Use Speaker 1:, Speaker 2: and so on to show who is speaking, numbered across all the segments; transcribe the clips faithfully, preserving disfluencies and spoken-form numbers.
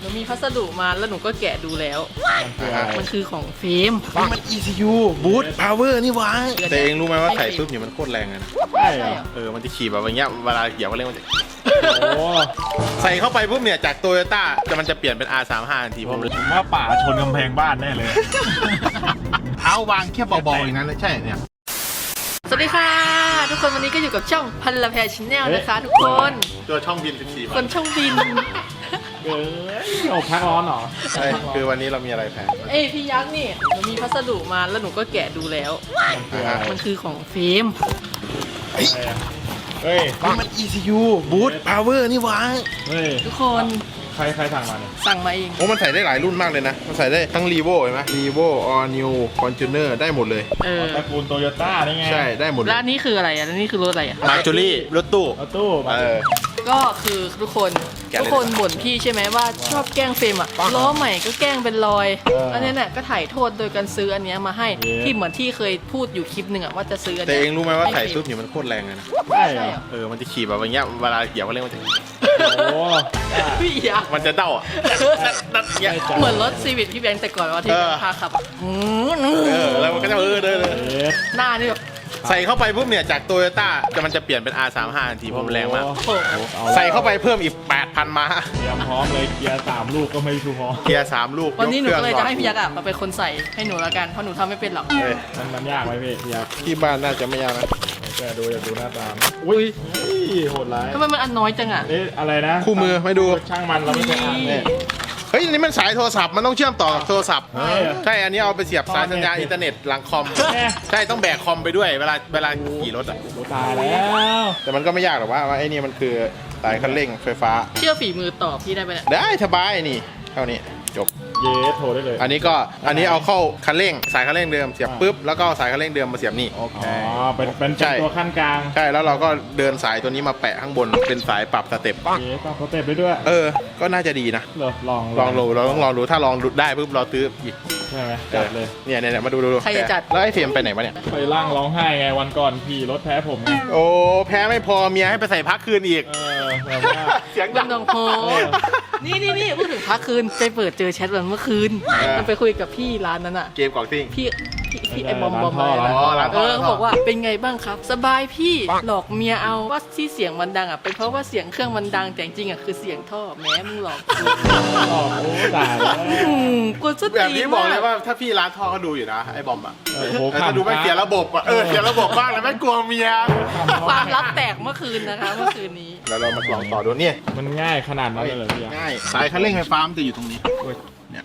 Speaker 1: หนูมีพัสดุมาแล้วหนูก็แกะดูแล้วมันคือของเฟรม
Speaker 2: มัน อี ซี ยู Boot Power นี่วะแต่เองรู้ไหมว่าใส่ปุ๊บเนี่ยมันโคตรแรงเลยนะ
Speaker 3: ใช่เหรอ
Speaker 2: เออมันจะขี่แบบอย่างเงี้ยเวลาเหยียบก็เร่งมันจะ
Speaker 3: โอ้
Speaker 2: ใส่เข้าไปปุ๊บเนี่ยจากโตโยต้าจะมันจะเปลี่ยนเป็น อาร์ สามสิบห้า ทันทีผมเลย
Speaker 3: ผมว่าป่าชนกำแพงบ้านแน่เลย
Speaker 2: เท้าวางแค่เบาๆอย่างนั้นเลยใช่เนี่ย
Speaker 1: สวัสดีค่ะทุกคนวันนี้ก็อยู่กับช่องพันละแพรชแนลนะคะทุกคน
Speaker 2: ตัวช่องบินสิบสี่
Speaker 1: คนช่องบิน
Speaker 3: เอ้ยอกพักร้อนเหรอ
Speaker 2: ใช่คือวันนี้เรามีอะไรแพน
Speaker 1: เอ้ยพี่ยักษ์นี่หนูมีพัสดุมาแล้วหนูก็แกะดูแล้ว มันคือของเฟรม
Speaker 3: เฮ้ยเฮ้ย
Speaker 2: มัน อี ซี ยู Boot Power นี่วะ
Speaker 3: เฮ้ย
Speaker 1: ทุกคน
Speaker 3: ใครใครสั่งมาเนี่ย
Speaker 1: สั่งมาเอง
Speaker 2: โอ้มันใส่ได้หลายรุ่นมากเลยนะมันใส่ได้ทั้ง Revo เห็นไหม Revo All New Fortuner ได้หมดเลย
Speaker 1: เออ
Speaker 3: ตระกูลโตโยต้านี่ไง
Speaker 2: ใช่ได้หมดเล
Speaker 1: แล้
Speaker 2: ยว
Speaker 1: อันนี้คืออะไรอ่ะแล้วนี่คือรถอะไรอ่ะ
Speaker 2: มาจูรี่รถตู้
Speaker 3: เอาตู้มา
Speaker 2: เออ
Speaker 1: ก็คือทุกคน
Speaker 2: แกะเลย
Speaker 1: ทุกคนบ่นพี่ใช่ไหมว่าชอบแกล้งเฟรมอ่ะล้อใหม่ก็แกล้งเป็นรอยอันนี้เนี่ยก็ถ่ายโทษโดยการซื้ออันเนี้ยมาให้ที่เหมือนที่เคยพูดอยู่คลิปหนึ่งอ่ะว่าจะซื้ออัน
Speaker 2: แต่
Speaker 1: เนี้ย
Speaker 2: เองรู้ไหมว่าใส่ปุ๊บเนี่ยมันโคตรแรงเลยนะ
Speaker 3: ใช่เหรอ
Speaker 2: เออมันจะขี่แบบอย่างเงี้ยเวลาเหยียบก็เร่งมันจะ
Speaker 3: โอ้
Speaker 1: พี่ยักษ์
Speaker 2: มันจะเด้าอ่ะดัดๆอย่างเงี้ย
Speaker 1: เหมือนรถซีวิตพี่แบงค์แต่ก่อนว่าที่
Speaker 2: เออ
Speaker 1: พาขับอืม
Speaker 2: เออแล้วมันก็จะเออเดินเลย
Speaker 3: เอ๊ะ
Speaker 1: หน้านี่แบบ
Speaker 2: ใส่เข้าไปปุ๊บเนี่ยจากโตโยต้าจะมันจะเปลี่ยนเป็น อาร์ สามสิบห้า ทันทีเพราะมันแรงมาก
Speaker 3: โอ้โหอละ
Speaker 2: ใส่เข้าไปเพิ่มอีก แปดพัน ม้า
Speaker 3: เตรียมพร้อมเลยเกียร์สามลูกก็ไม่พอ
Speaker 2: เกียร์สามลูก
Speaker 1: วันนี้หนู
Speaker 2: ค
Speaker 1: ก็
Speaker 2: รื่
Speaker 1: เลย
Speaker 2: อง
Speaker 1: จะให้พี่ยักษ์อะมาเป็นคนใส่ให้หนูละกันเพราะหนูทำไม่เป็นหรอก
Speaker 2: เอ้ย
Speaker 3: มันมันยากไหมพี่พี่ยักษ์
Speaker 2: ที่บ้านน่าจะไม่ยากนะ
Speaker 3: แกดูอยากดูหน้าตาม
Speaker 1: อุ้ย
Speaker 3: เฮ้ยโหดร้าย
Speaker 1: ทำไมมันอันน้อยจังอะ
Speaker 3: เอ๊ะอะไรนะ
Speaker 2: คู่มือไม่ดู
Speaker 3: ช่างมันเราไม่เคยอ่าน
Speaker 2: นี่ เฮ้ยนี่มันสายโทรศัพท์มันต้องเชื่อมต่อกับโทรศัพท์
Speaker 3: ใช่เหรอ
Speaker 2: ใช่อันนี้เอาไปเสียบสายสัญญาณอินเทอร์เน็ตหลังคอม
Speaker 3: แม่
Speaker 2: ใช่ต้องแบกคอมไปด้วยเวลาเวลาขี่รถอ่ะ
Speaker 3: โอ้ตายแล้ว
Speaker 2: แต่มันก็ไม่ยากหรอกว่าว่าไอ้นี่มันคือสายคันเร่งไฟฟ้า
Speaker 1: เชื่อฝีมือต่อพี่ได้ไหมเนี่ย
Speaker 2: ได้สบายนี่เท่านี้จบ
Speaker 3: เยสโทรได้เลย
Speaker 2: อันนี้ก็อันนี้เอาเข้าคันเร่งสายคันเร่งเดิมเสียบปุ๊บแล้วก็เอาสายคันเร่งเดิมมาเสียบนี่
Speaker 3: อ๋อเป็นเป็น
Speaker 2: ใช่
Speaker 3: ตัวขั้นกลาง
Speaker 2: ใช่แล้วเราก็เดินสายตัวนี้มาแปะข้างบนเป็นสายปรับสเต็ป
Speaker 3: เยสต้องสเต็ปไปด้วย
Speaker 2: เออ ก็น่าจะดีนะ
Speaker 3: เหรอลอง
Speaker 2: ลองดูเราต้องลองดูถ้าลองดูได้ปุ๊บเราซื้ออีก
Speaker 3: ใช่ไหมจัดเลย
Speaker 2: เนี่ยเนี่ยเนี่ยมาดูดูดู
Speaker 1: ใครจะจัด
Speaker 2: แล้วไอ้เฟรมไปไหนวะเนี่ย
Speaker 3: ไปล่างร้องไห้ไงวันก่อนพี่รถแพ้ผมไง
Speaker 2: โอ้แพ้ไม่พอเมียให้ไปใส่พักคืนอีก
Speaker 3: เออแบบว่า
Speaker 2: เสียง
Speaker 1: ดั
Speaker 2: ดั
Speaker 1: ง
Speaker 2: ง
Speaker 1: ดงโฮนี่นี่นี่พูดถึงพักคืนไปเปิดเจอแชทวันเมื่อคืน
Speaker 2: เออ
Speaker 1: มันไปคุยกับพี่ร้านนั้นอะ
Speaker 2: เกมกล่องซิ่ง
Speaker 1: พี่พี่พี่ไอ้บอมบอมอะไร
Speaker 2: ร้าน
Speaker 1: นะ
Speaker 2: ท่อร้าน
Speaker 1: เอ
Speaker 2: ท่อ
Speaker 1: อเขาบอกว่าเป็นไงบ้างครับ สบายพี่หลอกเมียเอาว่าที่เสียงมันดังอ่ะเป็นเพราะว่าเสียงเครื่องมันดังแต่จริงๆอ่ะคือเสียงท่อแม้มึงหลอกกู
Speaker 3: ออกโอ้ตายแล้ว
Speaker 1: อืมกูจะ
Speaker 2: แบบ
Speaker 1: ตี
Speaker 2: นี้บอกเลยว่าถ้าพี่ร้านท่อเขาดูอยู่นะไอ้บอมอ่ะ
Speaker 3: โอ้โห
Speaker 2: แต่ถ้าดูไม่เสียระบบอ่ะเออเสียระบบบ้างแล้วไม่กลัวเมีย
Speaker 1: ความลับแตกเมื่อคืนนะคะเมื่อคืนนี้
Speaker 2: แล้วเรามาลองต่อดูเนี่ย
Speaker 3: มันง่ายขนาดนั้นเลยเหรอพี่อ่ะ
Speaker 2: ง่ายสายคันเร่งไฟฟ้ามันจะอยู่ตรงนี้เนี่ย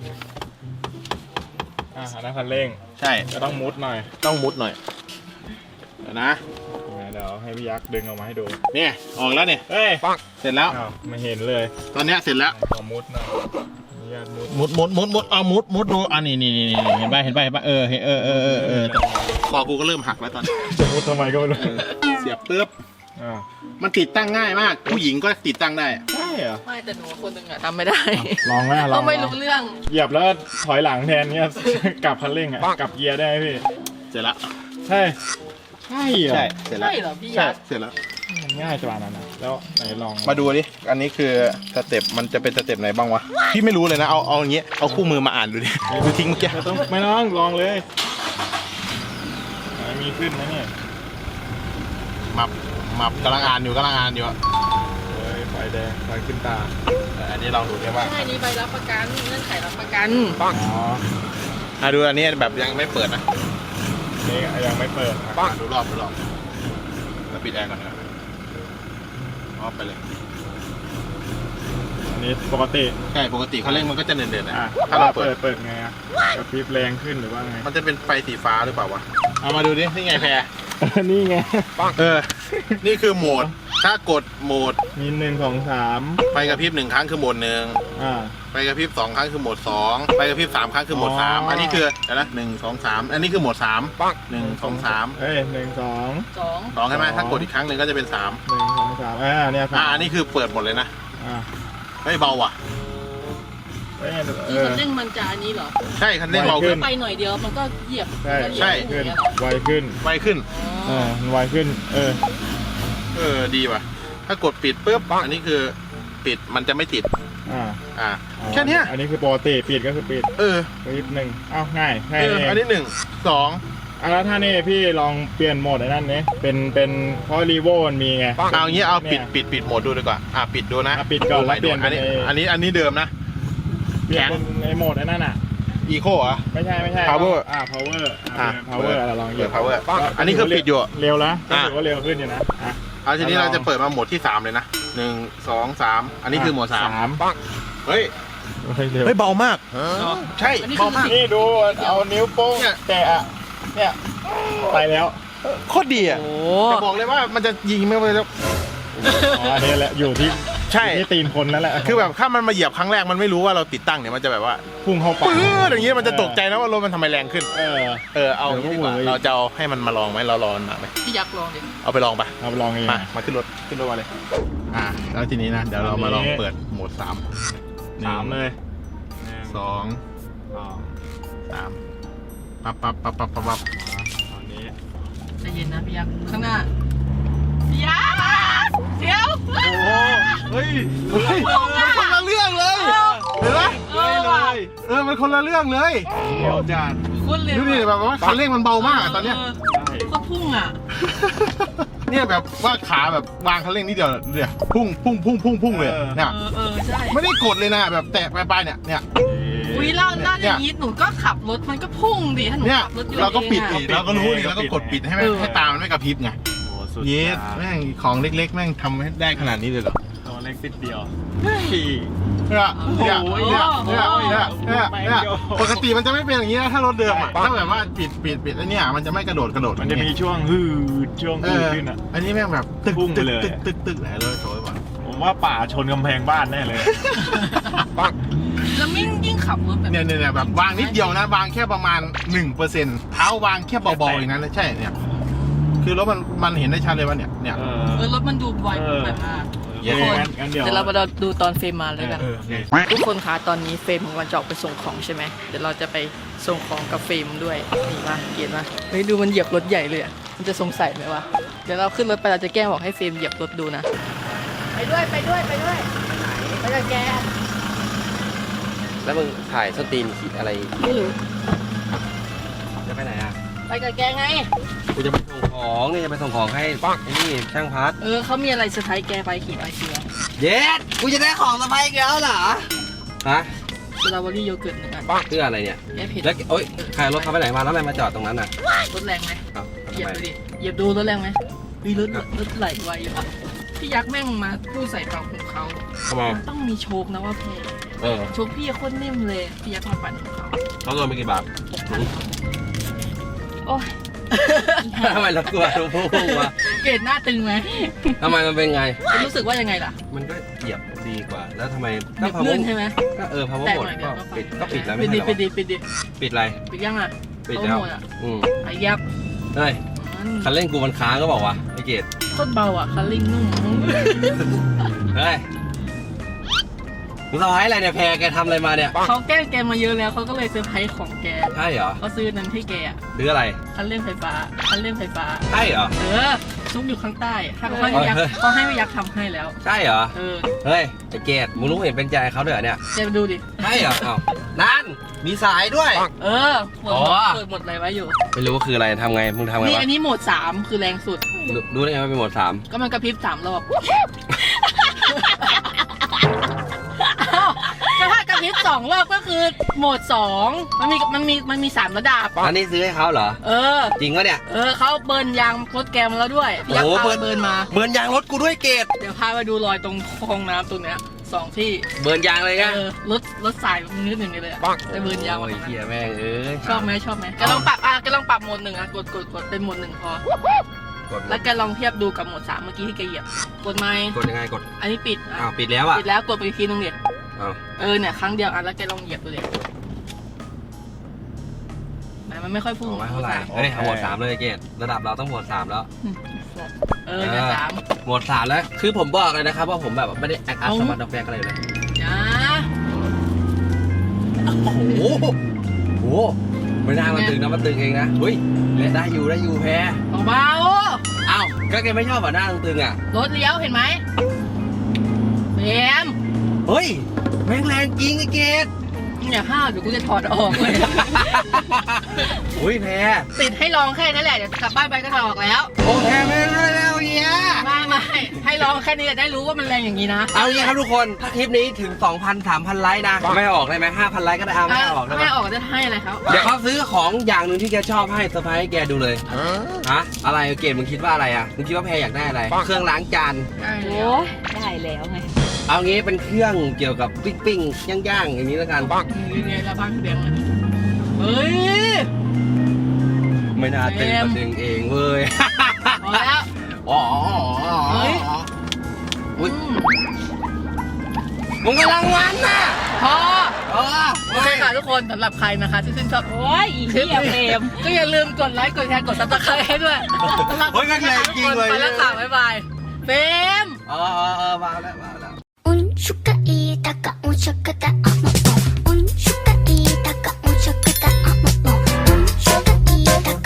Speaker 3: อ่ะอันนั้นคันเร่ง
Speaker 2: ใช่
Speaker 3: ก็ต้องมุดหน่อย
Speaker 2: ต้องมุดหน่อยเดี๋ยวนะ
Speaker 3: เดี๋ยวให้พี่ยักษ์ดึงออกมาให้ดู
Speaker 2: เนี่ยออกแล้วเนี่ย
Speaker 3: เฮ้ย
Speaker 2: เสร็จแล้ว
Speaker 3: อ้าวไม่เห็นเลย
Speaker 2: ตอนเนี้ยเสร็จแล้ว
Speaker 3: ขอมุดหน่อยอนุญาตมุด
Speaker 2: มุดมุดมุดมุดเอามุดมุดดูอันนี้นี่นี่เห็นป่ะเห็นป่ะเห็นป่ะเออเออเออเออเออคอกูก็เริ่มหักแล้วตอนนี้
Speaker 3: จะมุดทำไมก็ไม่รู้
Speaker 2: เสียบปุ๊บ
Speaker 3: อ่า
Speaker 2: มันติดตั้งง่ายมาก ผู้หญิงก็ติดตั้งได้
Speaker 3: ใช่เหรอ
Speaker 1: ไม่แต่หนูคนหนึ่งอ่ะทำไม่ได้
Speaker 3: ลองไหมล
Speaker 1: เรา
Speaker 3: อง
Speaker 1: ไม่รู้เรื่อง
Speaker 3: เหยียบแล้วถอยหลังแทนเนี่ย กลับคันเร่งอ่ะกลับเกียร์ได้ไหมพี่
Speaker 2: เสร็จแล้ว
Speaker 3: ใช่ใช่เหรอ
Speaker 2: ใช่เสร็จแล้ว
Speaker 1: ใช่เหรอพี่
Speaker 2: ใช่
Speaker 1: ยักษ์
Speaker 2: เสร็จแล้ว
Speaker 3: มันง่ายจังนั้นนะแล้วไหนลอง
Speaker 2: มาดูดิอันนี้คือสเต็ปมันจะเป็นสเต็ปไหนบ้างวะพี่ไม่รู้เลยนะเอาเอาอย่างเงี้ยเอาคู่มือมาอ่านดูดิดูทิ้งเมื่อกี้
Speaker 3: ไม่ต้องไม่ต้องลองเลยไหนมีขึ้นไหมเนี่ย
Speaker 2: มับมับกำลังอ่านอยู่กำลังอ่านอยู่อะ
Speaker 3: เฮ้ยไฟแดงไฟขึ้นตา
Speaker 2: แต่อันนี้ลองดูดิว่า
Speaker 1: ใช่นี่ใบรับประกันเงื่อนไขรับประกัน
Speaker 3: อ๋อ
Speaker 2: อ่ะดูอันนี้แบบยังไม่เปิดนะ
Speaker 3: นี่ยังไม่เปิดอ่ะ
Speaker 2: อ่ะดูรอบดูรอบแล้วปิดแอร์ก่อนนะออฟไปเลย
Speaker 3: อันนี้ปกติ
Speaker 2: ใช่ปกติเขาเร่งมันก็จะเดินๆนะ
Speaker 3: อ่ะ
Speaker 2: ถ้าเราเปิ
Speaker 3: เปิ
Speaker 2: ด
Speaker 3: ดเปิดไงอ่ะกระพริบแรงขึ้นหรือว่าไง
Speaker 2: มันจะเป็นไฟสีฟ้าหรือเปล่าวะเอามาดูดินี่ไงแพร
Speaker 3: นี่ไง
Speaker 2: เออ นี่คือโหมด ถ้ากดโหมด
Speaker 3: มีหนึ่งสองสาม
Speaker 2: ไฟกระพริบหนึ่งครั้งคือโหมดหนึ่ง
Speaker 3: อ่า
Speaker 2: ไฟกระพริบสองครั้งคือโหมดสองไฟกระพริบสามครั้งคือโหมดสาม
Speaker 3: อ๋ออั
Speaker 2: อันนี้คือเดี๋ยวนะหนึ่งสองสามอันนี้คือโหมดสามหนึ่งสองสาม
Speaker 3: เอ้ยหนึ่งสอง
Speaker 1: สอง
Speaker 2: สองใช่ไหมถ้ากดอีกครั้งหนึ่งก็จะเป็นสาม
Speaker 3: หนึ่งสองสามอ่าเนี่ยสา
Speaker 2: อ่าม อันนี้คือเปิดหมดเลยนะ
Speaker 3: อ่า
Speaker 2: ไม่เบาว่ะ
Speaker 3: เอ้ย
Speaker 1: คือ
Speaker 3: เอ
Speaker 1: คั
Speaker 3: อน
Speaker 1: เร่งมันจะอันนี้เหรอ
Speaker 2: ใช่คันเร่งเบาขึ้น
Speaker 1: ไปหน่อยเดียวมันก็เหยียบ
Speaker 3: ใช่
Speaker 1: มันก็เหยียบ
Speaker 2: ใช่
Speaker 1: อย่างเงี้ย
Speaker 3: ไวขึ้น
Speaker 2: ไวขึ้น
Speaker 3: เออมันไวขึ้น เออ
Speaker 2: เออดีว่ะ ถ้ากดปิดปุ๊บอันนี้คือปิดมันจะไม่ติด
Speaker 3: อ่า
Speaker 2: อ่า
Speaker 3: เอา
Speaker 2: แค่เนี้ย
Speaker 3: อันนี้คือปกติปิดก็คือปิด
Speaker 2: เออ
Speaker 3: ปิดหนึ่งเอ้าง่ายแค่
Speaker 2: เออ
Speaker 3: นี้เอง
Speaker 2: อันนี้หนึ่งสอง
Speaker 3: อ่ะแล้วถ้านี่พี่ลองเปลี่ยนโหมดไอ้นั่นนี้เป็นเป็นเพราะรีโวมันมีไง
Speaker 2: เอางี้เอาปิด
Speaker 3: นี่ย
Speaker 2: ปิดปิดโหมดดูดีกว่าอ่ะปิดดูนะ
Speaker 3: อ่ะปิดก่อนแล้วเปลี่ยน
Speaker 2: อันนี้
Speaker 3: เป็นไอ้
Speaker 2: อันนี้อันนี้เดิมนะ
Speaker 3: เปลี่ยนเป็นไอ้โหมดไอ้นั่นอ่ะ
Speaker 2: อีโคอ่ะ
Speaker 3: ไม่ใช่ไม่ใช่
Speaker 2: Power
Speaker 3: อ่า power
Speaker 2: อ่ะ
Speaker 3: อ่า power อ่ะลองเหยียบ
Speaker 2: เปิด power อันนี้คือปิดอยู่
Speaker 3: เร็วแล้ว
Speaker 2: อ่ะ
Speaker 3: ถือว่าเร็วขึ้นอยู่นะอ่ะ
Speaker 2: เอาทีนี้เราจะเปิดมาโหมดที่สามเลยนะหนึ่งสองสามอันนี้คือโหมดสาม
Speaker 3: สาม
Speaker 2: เฮ้ย
Speaker 3: เฮ้ยเร็ว
Speaker 2: เฮ้ยเบามากใช่
Speaker 1: อันนี้
Speaker 2: เบา
Speaker 1: คือ
Speaker 2: มาก
Speaker 3: นี่ดูเอานิ้วโป้ง
Speaker 2: เนี่ย
Speaker 3: แตะอ่ะเนี่ยไปแล้ว
Speaker 2: โคตรดีอ่ะ
Speaker 1: โอ้
Speaker 2: จะบอกเลยว่ามันจะยิงไม่ไปแล้ว
Speaker 3: อ๋ออันนี้แหละอยู่ที่
Speaker 2: ใช่
Speaker 3: อยู่ที่ตีนคนนั่นแหละ
Speaker 2: คือแบบถ้ามันมาเหยียบครั้งแรกมันไม่รู้ว่าเราติดตั้งเนี่ยมันจะแบบว่า
Speaker 3: พุ่งเข้าปาก
Speaker 2: ปื้ดอย่างเงี้ยมันจะตกใจนะว่ารถมันทำไมแรงขึ้น
Speaker 3: เออ
Speaker 2: เออเอาอย่างนี้ดีกว่า
Speaker 3: เออ
Speaker 2: เราจะเอาให้มันมาลองไหมเราลองมันมาไหม
Speaker 1: พี่ยักษ์ลองดิ
Speaker 2: เอาไปลองไป
Speaker 3: เอาไปลองเอง
Speaker 2: มามาขึ้นรถขึ้นรถมาเลยอ่าแล้วทีนี้นะเดี๋ยวเรามาลองเปิดโหมดสาม
Speaker 3: สามเลย
Speaker 2: สอง
Speaker 3: สอง
Speaker 2: สามปั๊บปั๊บปั๊บปั๊บปั๊บปั๊บ
Speaker 3: ตอนนี้
Speaker 1: ใจเย็นนะพี่ยักษ์ข้างหน้าพี่ยักษ์เดี๋ยว
Speaker 2: โอ้เฮ้ยเฮ้ยมันคนละเรื่องเลยเห็นไหม
Speaker 1: เออว่ะ
Speaker 2: เออมันคนละเรื่องเลย
Speaker 3: เร็วจัด
Speaker 1: คุณเร็ว
Speaker 2: ดูดิแบบว่าคันเร่งมันเบามากอะตอนเนี้ย
Speaker 1: โคตรพุ่งอ่ะ
Speaker 2: เนี่ยแบบว่าขาแบบวางคันเร่งนิดเดียวเนี่ยพุ่งพุ่งพุ่งพุ่งพุ่งเลยเนี่ย
Speaker 1: เออเออใช่
Speaker 2: ไม่ได้กดเลยนะแบบแตะไปไปเนี่ยเนี่ย
Speaker 1: อุ้ยแล้วด้านอย่างนี้หนูก็ขับรถมันก็พุ่งดิถ้าหนู
Speaker 2: เนี่ย
Speaker 1: ขับรถยนต์
Speaker 2: เราก็ปิด
Speaker 1: เอง
Speaker 2: ดิ
Speaker 1: อะ
Speaker 2: เราก็รู้ดิเราก็กดปิดให้แม่งให้ตามันไม่กระพริบไง
Speaker 3: โอ้สุด
Speaker 2: เยส
Speaker 3: จัด
Speaker 2: แม่งของเล็กๆแม่งทำให้ได้ขนาดนี้เลยเหรอ
Speaker 3: ตัวเล็กติดเดียว
Speaker 2: เนี่ยเนี่ยเนี่ยเนี่ยเนี่ยเนี่ยเนี่ยปกติมันจะไม่เป็นอย่างนี้นะถ้ารถเดิมอ่ะถ้าแบบว่าปิดปิดปิดแล้วเนี่ยมันจะไม่กระโดดกระโดด
Speaker 3: มันจะมีช่วงฮืดช่วง
Speaker 2: เอ
Speaker 3: ฮืด
Speaker 2: อ
Speaker 3: ขึ้นอ่ะ
Speaker 2: อันนี้แม่งแบบตึก
Speaker 3: พุ่งไป
Speaker 2: ตึก
Speaker 3: เลย
Speaker 2: ตึกตึกตึกไหนเลยโชยบ่ะ
Speaker 3: ผมว่าป่าชนกำแพงบ้านแน่เลย
Speaker 1: แล้วมิ่งยิ่งขับรถแบบ
Speaker 2: เนี่ยเนี่ยเนี่ยแบบวางนิดเดียวนะวางแค่ประมาณหนึ่งเปอร์เซ็นต์เท้าวางแค่เบาๆอย่างนั้นเลยใช่เนี่ยคือรถมันมันเห็นได้ชัดเลยว่าเนี่ยเนี่ย
Speaker 3: เอ
Speaker 1: เออรถมันดูไว
Speaker 3: เออ
Speaker 1: แบบมาก
Speaker 2: เย้
Speaker 3: งั้นงั้นเดี๋ยว
Speaker 1: เดี๋ยวเรามาดูตอนเฟรมมาเลยกัน
Speaker 2: เออเนี่ย
Speaker 1: ทุกคนคะตอนนี้เฟรมของวันจะออกไปส่งของใช่ไหมเดี๋ยวเราจะไปส่งของกับเฟรมด้วยนี่ป่ะเกียรป่ะเฮ้ยดูมันเหยียบรถใหญ่เลยอ่ะมันจะสงสัยไหมวะเดี๋ยวเราขึ้นรถไปเราจะแกล้งบอกให้เฟรมเหยียบรถดูนะไปด้วยไปด้วยไปด้วยไปกับแก
Speaker 4: แล้วมึงถ่ายสตรีมขีดอะไร
Speaker 1: ไม่รู้
Speaker 4: จะไปไหนอ่ะ
Speaker 1: ไปกับแกไง
Speaker 4: กูจะไปส่งของนี่จะไปส่งของให้ไอ้นี่ช่างพัด
Speaker 1: เออเขามีอะไรเซอร์ไพรส์แกไปขี่ไปเชียร์
Speaker 4: เย็ดกูจะได้ของสะพายอีกแล้วเหรอฮะ
Speaker 1: สตรอเบอรี่โยเกิร์ตหนึ่งอัน
Speaker 4: เพื่ออะไรเนี่ย
Speaker 1: แกเผ็ด
Speaker 4: แล้วโอ๊ยใครรถเขาไปไหนมาแล้วทำไมมาจอดตรงนั้นอ่ะ
Speaker 1: รถแรงไหม
Speaker 4: เอ้า
Speaker 1: เหยียบ
Speaker 4: ทำไม
Speaker 1: ดูดิเหยียบดูรถแรงไหมวีรถรถไหลไวอ่ะพี่ยักษ์แม่งมาพูดใส่ปากของเขา
Speaker 4: ทำไม
Speaker 1: ต้องมีโชคนะว่าเพ
Speaker 4: เออ
Speaker 1: โชคพี่โคตรนิ่มเลยพี่ยักษ์มาปั่นของเขา
Speaker 4: เขาโดนไปกี่บาท
Speaker 1: โอ้ย
Speaker 4: ทำไมเรากลัวรู้พุ่งวะ
Speaker 1: เกรดหน้าตึงไหม
Speaker 4: ทำไมมันเป็นไง
Speaker 1: รู้สึกว่ายังไงล่ะ
Speaker 4: มันก็เหยียบดีกว่า แล้วทำไม
Speaker 1: หนึบลื่นใช่ไหม
Speaker 4: ก็เออพาวเวอ
Speaker 1: แตะ
Speaker 4: ร์หมด
Speaker 1: หน่อยเดี๋
Speaker 4: ก็
Speaker 1: ยวก็
Speaker 4: ปิดก็ปิดแล้ว
Speaker 1: ปิ
Speaker 4: ไม่
Speaker 1: ด
Speaker 4: ใช่
Speaker 1: ดิ
Speaker 4: เหรอ
Speaker 1: ปิดดิปิดดิ
Speaker 4: ปิดอะไร
Speaker 1: ปิดยังอ่ะ
Speaker 4: ปิด
Speaker 1: เอา
Speaker 4: แล้ว
Speaker 1: หมดอ่ะ
Speaker 4: อืม
Speaker 1: ไอ้ยักษ์
Speaker 4: เฮ้ย
Speaker 1: มัน
Speaker 4: คันเร่งกูมันค้างก็บอกว่าไอ้เกด
Speaker 1: โคตรเบาอ่ะคันเร่งนุ่ม
Speaker 4: เฮ้ยมึงสะพายอะไรเนี่ยแพรแกทำอะไรมาเนี่ย
Speaker 1: เขาแกล้งแกมาเยอะแล้วเขาก็เลยเซอร์ไพรส์ของแก
Speaker 4: ใช่เหรอ
Speaker 1: เขาซื้อนั้นให้แกอ่ะ
Speaker 4: ซื้ออะไร
Speaker 1: คันเร่งไฟฟ้าคันเร่งไฟฟ้า
Speaker 4: ใช่เหรอ
Speaker 1: เออซุกอยู่ข้างใต้ถ้าเขาให้พี่ยักษ์
Speaker 4: เฮ้ย
Speaker 1: เขาให้พี่ยักษ์ทำให้แล้ว
Speaker 4: ใช่เหรอ
Speaker 1: เออ
Speaker 4: เฮ้ยไอ้เกดมึงรู้เห็นเป็นใจเขาด้วยเหรอเนี่ย
Speaker 1: แกไปดูดิ
Speaker 4: ใช่เหรออ้าวนั่น มีสายด้วย
Speaker 1: เออหมด
Speaker 4: อ๋อ
Speaker 1: เปิดหมดอะไรไว้อยู่
Speaker 4: ไม่รู้ว่าคืออะไรทำไง มึงทำไง
Speaker 1: นี่
Speaker 4: วะ
Speaker 1: อันนี้โหมดสามคือแรงสุด
Speaker 4: รู้รู้ได้ไงว่าเป็นโหมดสาม
Speaker 1: ก็มันกระพริบสามรอบอ้าวก็ถ้ากระพริบสองรอบก็คือโหมดสองมันมีมันมีมันมีสามระดับ
Speaker 4: อันนี้ซื้อให้เขาเหรอ
Speaker 1: เออ
Speaker 4: จริงวะเนี่ย
Speaker 1: เออเขาเบิร์นยางรถแกมาแล้วด้วยพี่ยักษ์
Speaker 4: โอ้
Speaker 1: พา
Speaker 4: เบิ
Speaker 1: ไป
Speaker 4: ร์น
Speaker 1: เบิร์นมา
Speaker 4: เบิร์นยางรถกูด้วยเกด
Speaker 1: เดี๋ยวพาไปดูรอยตรงคลองน้ำตรงเนี้ยสองที่
Speaker 4: เบิร์นยางเลยไง
Speaker 1: เออรถรถสายนิดหนึ่งเลยอะไปเบิร์นยางมา
Speaker 4: โอ้
Speaker 1: ตรงนั้น
Speaker 4: ยเฮียแม่งเอ้ย
Speaker 1: ชอบไหมชอบไหมแกลองปรับอ่ะแกลองปรับโหมดหนึ่งอ่ะกดกดกดเป็นโหมดหนึ่งพอ
Speaker 4: กด
Speaker 1: แล้วแกลองเทียบดูกับโหมดสามเมื่อกี้ที่แกเหยียบกดไหม
Speaker 4: กดยังไงกด
Speaker 1: อันนี้ปิดอ่ะ
Speaker 4: อ้าวปิดแล้วอ่ะ
Speaker 1: ปิดแล้วกดไปอีกทีนึงเดี๋ยว
Speaker 4: อ้าว
Speaker 1: เออเนี่ยครั้งเดียวอ่ะแล้วแกลองเหยียบดูเดี๋ยวไหนมันไม่ค่อยพุ่ง
Speaker 4: เอาไว้เท่าไหร่เฮ้ยเอาโหมดสามเลยเกดระดับเราต้องโหมดสามแล้ว
Speaker 1: เออเนี่ยสาม
Speaker 4: โหมดสามแล้ว คือผมบอกเลยนะครับว่าผมแบบไม่ได้แอคอัพ
Speaker 1: เอา
Speaker 4: สมาร์ทด็อกแบกอะไรเลย
Speaker 1: จ้า
Speaker 4: โอ้โหโอ้โหไม่น่ามันตึงนะมันตึงเองนะเฮ้ยได้อยู่ได้อยู่แพ้
Speaker 1: เบา
Speaker 4: อ้าวก็แกไม่ชอบอ่ะหน้าตึงๆอ่ะ
Speaker 1: ๆรถเลี้ยวเห็นไหมเบม
Speaker 4: เฮ้ย แแม่งแรงจริงไอ้เกด
Speaker 1: อย่าห้าวเดี๋ยวกูจะถอดออกเลย
Speaker 4: อุ้ยแพร
Speaker 1: ติดให้ลองแค่นั้นแหละเดี๋ยวกลับบ้านไปก็ถอดออกแล้ว
Speaker 4: โอ้แพรไม่ได้แล้วเฮีย
Speaker 1: ไม่ไม่ให้ลองแค่นี้จะได้รู้ว่ามันแรงอย่างนี้นะ
Speaker 4: เอางี้ครับทุกคนถ้าคลิปนี้ถึง สองพัน สามพัน ไลค์นะไม่ออกได้ไหมห้าพัน ไลค์ก็ได้เอาไม่ออกได้ไหม
Speaker 1: ไม่ออกจะให้อะไรเขา
Speaker 4: เดี๋ยวเขาซื้อของอย่างหนึ่งที่แกชอบให้เซอร์ไพรส์ให้แกดูเลยฮะอะไรเกดมึงคิดว่าอะไรอ่ะมึงคิดว่าแพรอยากได้อะไรเครื่องล้างจาน
Speaker 1: ได้
Speaker 5: โอ้ยได้แล้วไง
Speaker 4: เอางี้เป็นเครื่องเกี่ยวกับปิ้งปิ้งย่างย่างๆอย่างนี้แล้วกัน
Speaker 1: นี่ไงละบ้านพี่แบงค์อะเฮ้ย
Speaker 4: ไม่น่าตึงมาดึงเองเว้ย
Speaker 1: พอแล้ว
Speaker 4: อ๋อ
Speaker 1: เฮ้ย
Speaker 4: อุ้ยมึงกำลังวันน่ะ
Speaker 1: พอ
Speaker 4: อ๋อ
Speaker 1: โอเคค่ะทุกคนสำหรับใครนะคะที่ชื่นชอบ
Speaker 5: โอ้ยอีเหี้ยเฟรม
Speaker 1: ก็อย่าลืมกดไลค์กดแชร์กดซับสไครต์ให้ด้วยสำหรับ
Speaker 4: เฮ้ยมันแรงจริงเลย
Speaker 1: ไปแล้วค่ะบ๊ายบายเฟรม
Speaker 4: เออเออเออมาแล้วมาแล้ว
Speaker 6: 운수가 이다가 운수가 다